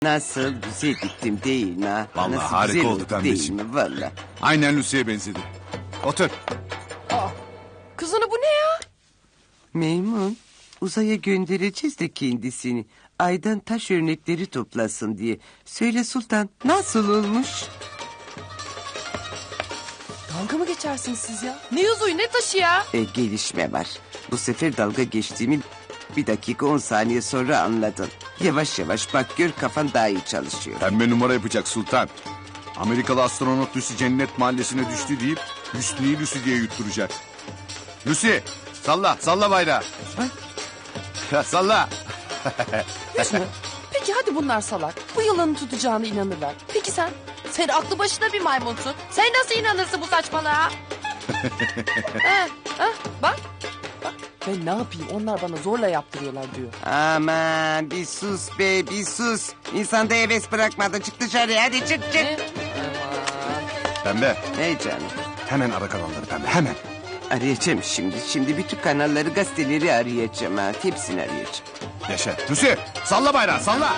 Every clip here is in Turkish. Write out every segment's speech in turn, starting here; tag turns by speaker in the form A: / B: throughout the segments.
A: Nasıl güzel gittim değil mi ha?
B: Vallahi
A: Nasıl
B: harika
A: güzel
B: oldu
A: değil
B: pembeciğim.
A: mi valla?
B: Aynen Lucy'ye benzedi. Otur.
C: Kızını bu ne ya?
A: Meymun uzaya göndereceğiz de kendisini. Aydan taş örnekleri toplasın diye. Söyle Sultan nasıl olmuş?
C: Dalga mı geçersiniz siz ya? Ne yüzüğü ne taşı ya?
A: Gelişme var. Bu sefer dalga geçtiğimi 1 dakika 10 saniye sonra anladın. Yavaş yavaş bak gör kafan daha iyi çalışıyor.
B: Pembe numara yapacak Sultan. Amerikalı astronot Lucy cennet mahallesine düştü deyip Hüsnü'yü Lucy diye yutturacak. Lucy salla salla bayrağı. Ya, salla.
C: Hüsnü. Peki hadi bunlar salak. Bu yılanı tutacağına inanırlar. Peki sen? Sen aklı başına bir maymunsun. Sen nasıl inanırsın bu saçmalığa? Bak. Bak. Ben ne yapayım? Onlar bana zorla yaptırıyorlar diyor.
A: Aman bir sus be bir sus. İnsanda heves bırakmadı. Çık dışarıya hadi çık çık.
C: Ne?
B: Pembe
A: Hey canım.
B: hemen ara kanalları Pembe hemen.
A: Arayacağım şimdi. Şimdi bütün kanalları gazeteleri arayacağım ha. Hepsini arayacağım.
B: Yaşa. Lucy salla bayrağı salla.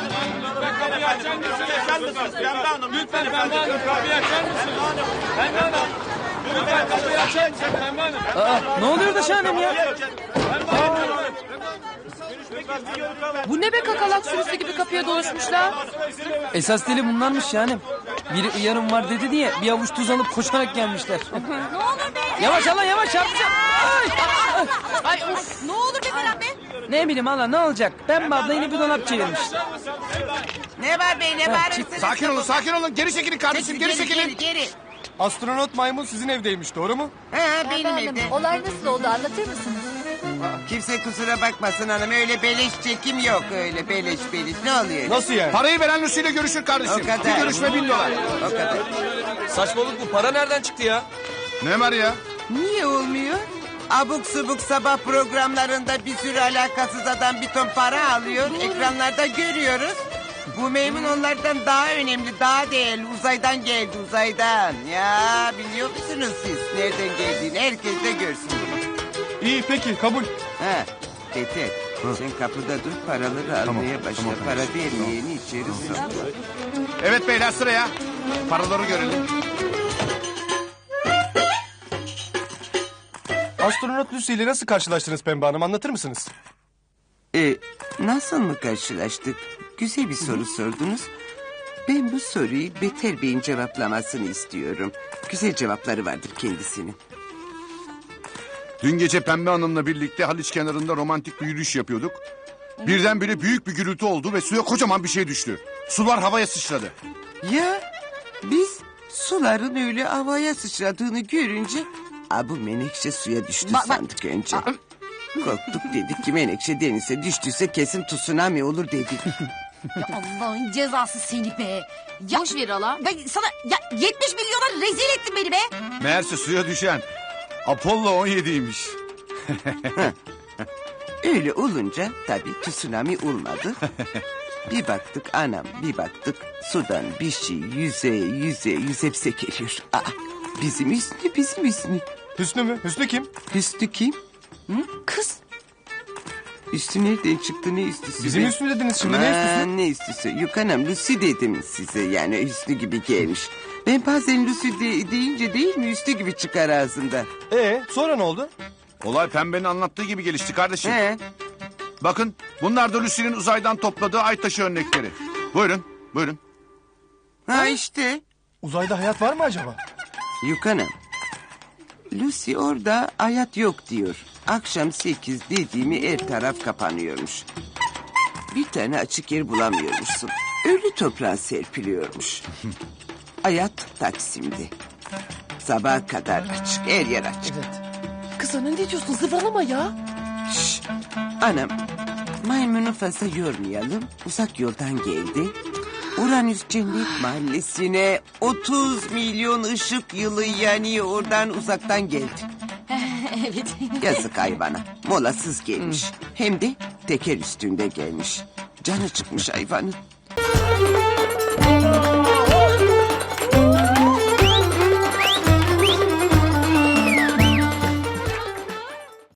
D: Lütfen Pembe Hanım kapıyı açar mısınız? Pembe Hanım. Lütfen kapıyı açar mısınız Pembe Hanım?
E: Ne oluyor da şahanem ya?
C: Bu ne be kakalak sürüsü gibi kapıya doluşmuşlar?
E: Esas deli bunlarmış şahanem. Biri uyarım var dedi diye bir avuç tuz alıp koşarak gelmişler.
C: Ne olur be.
E: Yavaş hala yavaş çarpacağım. Ay!
C: Ay of. Ne olur be Ferhat be.
E: Ne bileyim hala ne olacak? Pembe abla yine bir dolap çevirmiş.
A: Ne var be ne bağırırsınız?
B: Sakin olun geri çekilin kardeşim geri çekilin.
A: Geri.
D: Astronot maymun sizin evdeymiş doğru mu?
A: Ha benim evde.
F: Olay nasıl oldu anlatır mısınız?
A: Kimse kusura bakmasın hanım. Öyle beleş çekim yok öyle beleş. Ne oluyor?
D: Nasıl yani?
B: Parayı veren Lucy ile görüşür kardeşim.
A: O kadar.
B: Bir görüşme $1000.
A: O kadar.
D: Saçmalık bu para nereden çıktı ya?
B: Ne var ya?
A: Niye olmuyor? Abuk subuk sabah programlarında bir sürü alakasız adam bir ton para alıyor. Ekranlarda görüyoruz. Bu Meymun onlardan daha önemli, daha değerli. Uzaydan geldi, uzaydan. Ya biliyor musunuz siz nereden geldiğini? Herkes de görsün bunu.
D: İyi peki kabul.
A: Ha, Beter. Sen kapıda dur, paraları almaya başla.
B: tamam,
A: Para
B: kardeşim,
A: vermeyeni içeri sok.
B: Evet beyler sıraya. Paraları görelim.
D: Astronot Lucy ile nasıl karşılaştınız Pembe Hanım anlatır mısınız?
A: Nasıl mı karşılaştık? Güzel bir soru sordunuz. Ben bu soruyu Beter Bey'in cevaplamasını istiyorum. Güzel cevapları vardır kendisinin.
B: Dün gece Pembe Hanım'la birlikte Haliç kenarında romantik bir yürüyüş yapıyorduk. Birdenbire büyük bir gürültü oldu ve suya kocaman bir şey düştü. Sular havaya sıçradı.
A: Ya biz suların öyle havaya sıçradığını görünce... Bu menekşe suya düştü sandık önce. Korktuk dedik ki menekşe denize düştüyse kesin tsunami olur dedik.
F: Ya Allah'ın cezası seni be. Ya,
C: Boş ver hala.
F: ben sana ya 70 milyona rezil ettin beni be.
B: Meğerse suya düşen Apollo 17'ymiş.
A: Öyle olunca tabii tsunami olmadı. Bir baktık anam bir baktık sudan bir şey yüze hepsi geliyor. Bizim Hüsnü.
D: Hüsnü mü? Hüsnü kim?
A: Hüsnü kim?
C: Kız.
A: Üstü nereden çıktı ne üstüsü?
D: Bizim
A: be?
D: Hüsnü dediniz şimdi ne Hüsnüsü?
A: Aman, ne üstüsü? Yok anam Lucy dedim size yani Hüsnü gibi gelmiş. Ben bazen Lucy deyince değil mi üstü gibi çıkar ağzında.
D: Sonra ne oldu?
B: Olay Pembe'nin anlattığı gibi gelişti kardeşim.
A: He.
B: Bakın bunlar da Lucy'nin uzaydan topladığı ay taşı örnekleri. Buyurun.
A: Ha işte.
D: Uzayda hayat var mı acaba?
A: Yok anam. Lucy orada hayat yok diyor. Akşam 8 dediğimi her taraf kapanıyormuş. Bir tane açık yer bulamıyormuşsun. Ölü toprağa serpiliyormuş. Hayat Taksim'de. Sabaha kadar açık, her yer açık.
C: Kız ana ne diyorsun zıvalama ya.
A: Şşş, anam, maymunu fazla yormayalım. Uzak yoldan geldi. Uranüs Cennet Mahallesi'ne 30 milyon ışık yılı yani oradan uzaktan geldi.
F: Evet.
A: Yazık hayvana. Molasız gelmiş. Hem de teker üstünde gelmiş. Canı çıkmış hayvanın.